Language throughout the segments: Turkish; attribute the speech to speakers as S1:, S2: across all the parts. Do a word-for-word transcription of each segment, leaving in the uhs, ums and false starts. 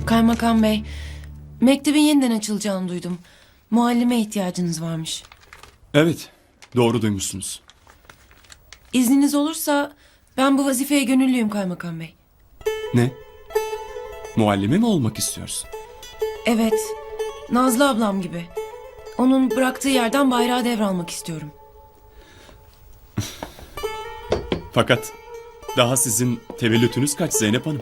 S1: Kaymakam bey, mektebin yeniden açılacağını duydum. Muallime ihtiyacınız varmış.
S2: Evet, doğru duymuşsunuz.
S1: İzniniz olursa ben bu vazifeye gönüllüyüm kaymakam bey.
S2: Ne? Muallime mi olmak istiyorsun?
S1: Evet, Nazlı ablam gibi. Onun bıraktığı yerden bayrağı devralmak istiyorum.
S2: Fakat daha sizin tevellütünüz kaç Zeynep Hanım?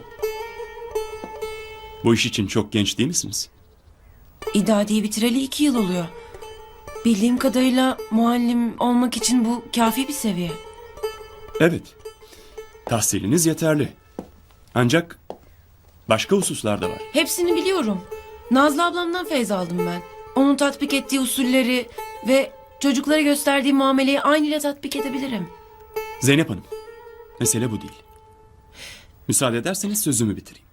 S2: Bu iş için çok genç değil misiniz?
S1: İdadiyi bitireli iki yıl oluyor. Bildiğim kadarıyla muallim olmak için bu kafi bir seviye.
S2: Evet, tahsiliniz yeterli. Ancak başka hususlar da var.
S1: Hepsini biliyorum. Nazlı ablamdan feyz aldım ben. Onun tatbik ettiği usulleri ve çocuklara gösterdiği muameleyi aynıyla tatbik edebilirim.
S2: Zeynep Hanım, mesele bu değil. Müsaade ederseniz sözümü bitireyim.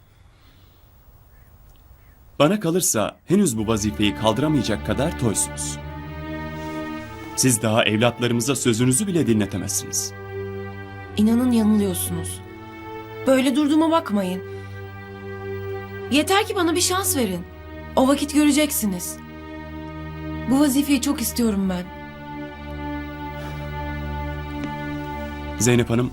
S2: Bana kalırsa henüz bu vazifeyi kaldıramayacak kadar toysunuz. Siz daha evlatlarımıza sözünüzü bile dinletemezsiniz.
S1: İnanın yanılıyorsunuz. Böyle durduğuma bakmayın. Yeter ki bana bir şans verin. O vakit göreceksiniz. Bu vazifeyi çok istiyorum ben.
S2: Zeynep Hanım,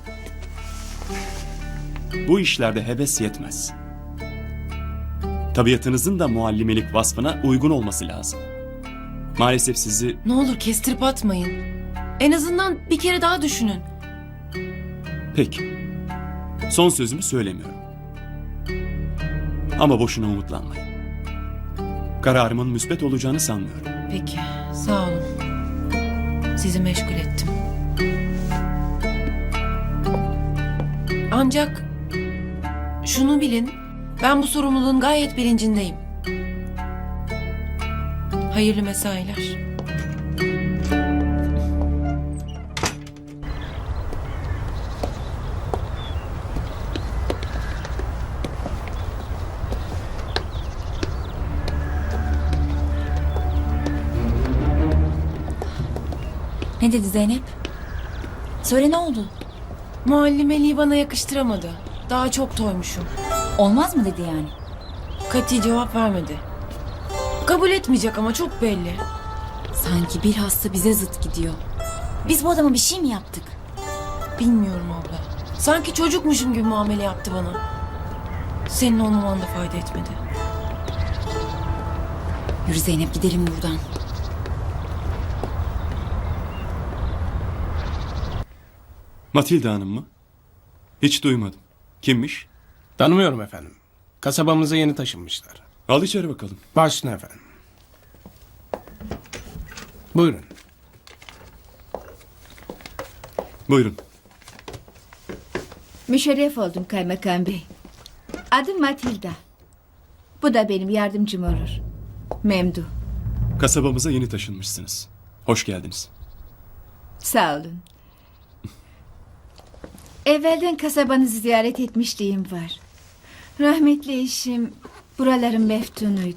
S2: bu işlerde heves yetmez. Tabiatınızın da muallimelik vasfına uygun olması lazım. Maalesef sizi...
S1: Ne olur kestirip atmayın. En azından bir kere daha düşünün.
S2: Peki, son sözümü söylemiyorum. Ama boşuna umutlanmayın. Kararımın müsbet olacağını sanmıyorum.
S1: Peki, sağ olun. Sizi meşgul ettim. Ancak şunu bilin, ben bu sorumluluğun gayet bilincindeyim. Hayırlı mesailer.
S3: Ne dedi Zeynep? Söyle, ne oldu?
S1: Muallimeliği bana yakıştıramadı. Daha çok toymuşum.
S3: Olmaz mı dedi yani?
S1: Kati cevap vermedi. Kabul etmeyecek ama çok belli.
S3: Sanki bilhassa bize zıt gidiyor. Biz bu adama bir şey mi yaptık?
S1: Bilmiyorum abla. Sanki çocukmuşum gibi muamele yaptı bana. Senin olmaman da fayda etmedi.
S3: Yürü Zeynep, gidelim buradan.
S2: Matilda Hanım mı? Hiç duymadım. Kimmiş?
S4: Tanımıyorum efendim. Kasabamıza yeni taşınmışlar.
S2: Al içeri bakalım.
S4: Başüstüne efendim. Buyurun.
S2: Buyurun.
S5: Müşerref oldum kaymakam bey. Adım Matilda. Bu da benim yardımcım olur. Memdu.
S2: Kasabamıza yeni taşınmışsınız. Hoş geldiniz.
S5: Sağ olun. Evvelden kasabanızı ziyaret etmişliğim var. Rahmetli eşim buraların meftunuydu.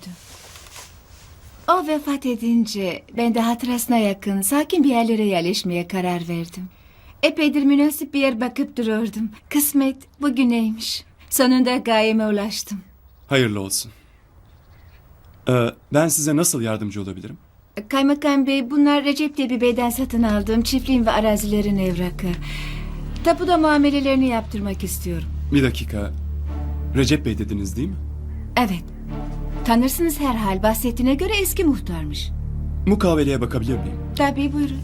S5: O vefat edince ben de hatırasına yakın sakin bir yerlere yerleşmeye karar verdim. Epeydir münasip bir yer bakıp dururdum. Kısmet bugüneymiş. Sonunda gayeme ulaştım.
S2: Hayırlı olsun. Ee, ben size nasıl yardımcı olabilirim?
S5: Kaymakam bey, bunlar Recep diye bir beyden satın aldığım çiftliğin ve arazilerin evrakı. Tapuda muamelelerini yaptırmak istiyorum.
S2: Bir dakika. Recep Bey dediniz değil mi?
S5: Evet. Tanırsınız herhal, bahsettiğine göre eski muhtarmış.
S2: Mukaveleye bakabilir miyim?
S5: Tabii, buyurun.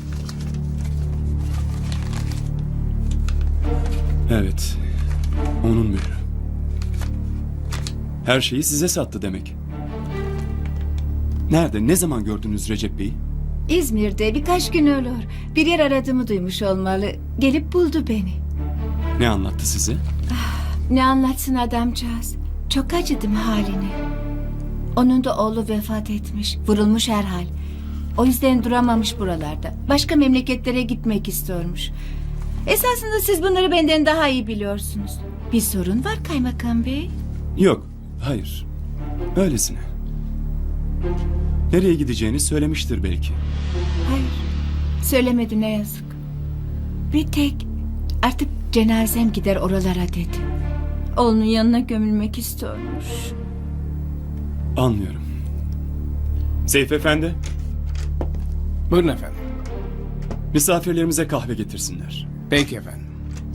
S2: Evet. Onun mührü. Her şeyi size sattı demek. Nerede, ne zaman gördünüz Recep Bey'i?
S5: İzmir'de birkaç gün olur. Bir yer aradığımı duymuş olmalı. Gelip buldu beni.
S2: Ne anlattı size?
S5: Ne anlatsın adamcağız. Çok acıdım haline. Onun da oğlu vefat etmiş. Vurulmuş herhal. O yüzden duramamış buralarda. Başka memleketlere gitmek istiyormuş. Esasında siz bunları benden daha iyi biliyorsunuz. Bir sorun var kaymakam bey.
S2: Yok, hayır. Öylesine. Nereye gideceğini söylemiştir belki.
S5: Hayır. Söylemedi, ne yazık. Bir tek artık cenazem gider oralara dedi. Oğlunun yanına gömülmek istiyormuş.
S2: Anlıyorum. Seyfi Efendi,
S4: Buyurun efendim.
S2: misafirlerimize kahve getirsinler.
S4: Peki efendim.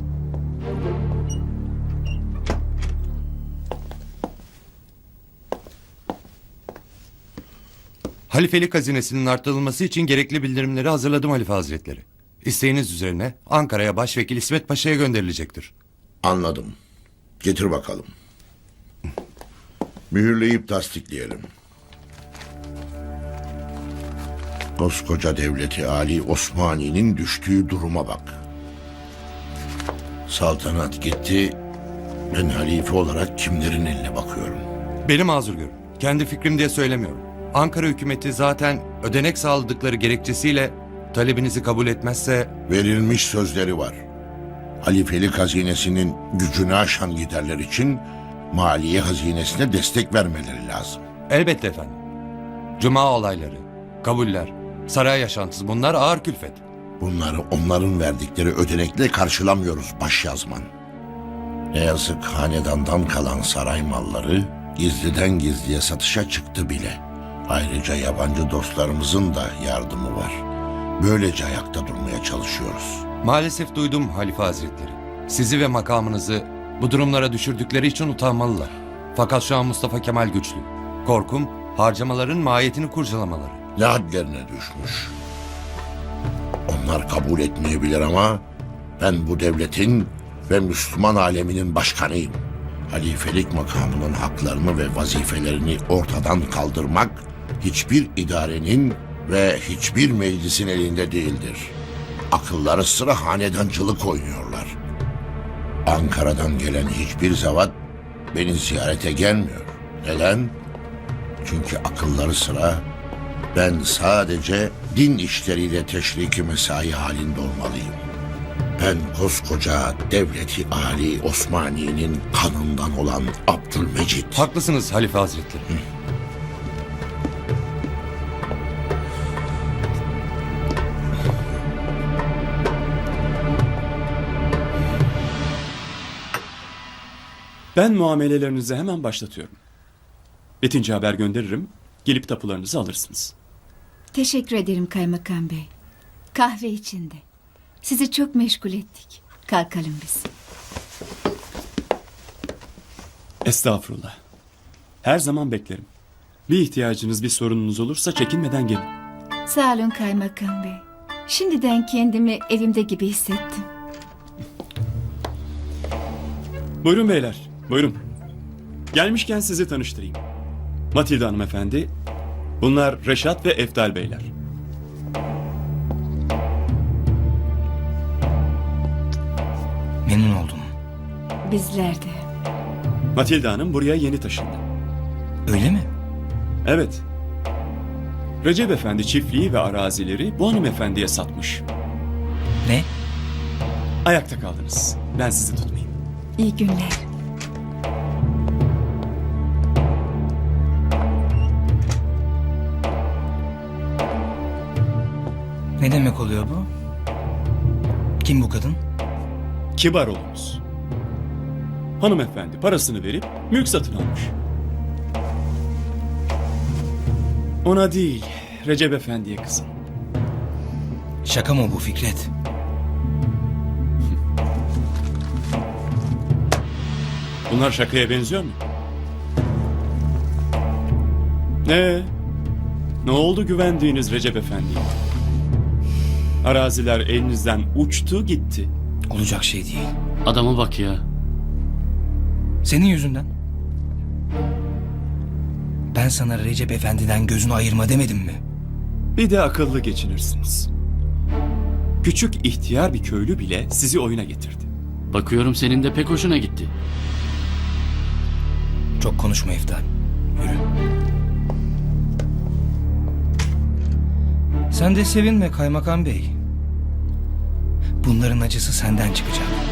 S6: Halifelik hazinesinin artırılması için gerekli bildirimleri hazırladım Halife Hazretleri. İsteğiniz üzerine Ankara'ya Başvekil İsmet Paşa'ya gönderilecektir.
S7: Anladım. Getir bakalım. Mühürleyip tasdikleyelim. Koskoca devleti Ali Osmani'nin düştüğü duruma bak. Saltanat gitti. Ben halife olarak kimlerin eline bakıyorum?
S6: Beni mazur görün. Kendi fikrim diye söylemiyorum. Ankara hükümeti zaten ödenek sağladıkları gerekçesiyle talebinizi kabul etmezse
S7: Verilmiş sözleri var. Halifelik hazinesinin gücünü aşan giderler için maliye hazinesine destek vermeleri lazım.
S6: elbette efendim. Cuma olayları, kabuller, saray yaşantısı bunlar ağır külfet.
S7: Bunları onların verdikleri ödenekle karşılamıyoruz başyazman. Ne yazık hanedandan kalan saray malları gizliden gizliye satışa çıktı bile. Ayrıca yabancı dostlarımızın da yardımı var. Böylece ayakta durmaya çalışıyoruz.
S6: Maalesef duydum Halife Hazretleri. Sizi ve makamınızı bu durumlara düşürdükleri için utanmalılar. Fakat şu an Mustafa Kemal güçlü. Korkum harcamaların mahiyetini kurcalamaları.
S7: Ne hadlerine düşmüş. Onlar kabul etmeyebilir ama ben bu devletin ve Müslüman aleminin başkanıyım. Halifelik makamının haklarını ve vazifelerini ortadan kaldırmak hiçbir idarenin ve hiçbir meclisin elinde değildir. Akılları sıra hanedancılık oynuyorlar. Ankara'dan gelen hiçbir zevat beni ziyarete gelmiyor. Neden? Çünkü akılları sıra ben sadece din işleriyle teşriki mesai halinde olmalıyım. Ben koskoca devleti Ali Osmani'nin kanından olan Abdülmecit.
S6: Haklısınız Halife Hazretleri.
S2: Ben muamelelerinizi hemen başlatıyorum. Bitince haber gönderirim, gelip tapularınızı alırsınız.
S5: Teşekkür ederim kaymakam bey. Kahve içinde. Sizi çok meşgul ettik. Kalkalım biz.
S2: Estağfurullah. Her zaman beklerim. Bir ihtiyacınız, bir sorununuz olursa çekinmeden gelin.
S5: Sağ olun kaymakam bey. Şimdiden kendimi evimde gibi hissettim.
S2: Buyurun beyler, buyurun. Gelmişken sizi tanıştırayım. Matilda hanımefendi, bunlar Reşat ve Eftal beyler.
S8: Memnun oldum.
S5: Bizler de.
S2: Matilda hanım buraya yeni taşındı.
S8: Öyle mi?
S2: Evet. Recep Efendi çiftliği ve arazileri bu hanımefendiye satmış.
S8: Ne?
S2: Ayakta kaldınız. Ben sizi tutmayayım.
S5: İyi günler.
S8: Ne demek oluyor bu? Kim bu kadın?
S2: Kibar olunuz. Hanımefendi parasını verip mülk satın almış. Ona değil, Recep Efendi'ye kızın.
S8: Şaka mı bu Fikret?
S2: Bunlar şakaya benziyor mu? Ne? Ne oldu güvendiğiniz Recep Efendi'ye? Araziler elinizden uçtu gitti.
S8: Olacak şey değil.
S9: Adama bak ya.
S8: Senin yüzünden. Ben sana Recep Efendi'den gözünü ayırma demedim mi?
S2: Bir de akıllı geçinirsiniz. Küçük ihtiyar bir köylü bile sizi oyuna getirdi.
S9: Bakıyorum senin de pek hoşuna gitti.
S8: Çok konuşma Eftal. Yürü. Sen de sevinme kaymakam bey. Bunların acısı senden çıkacak.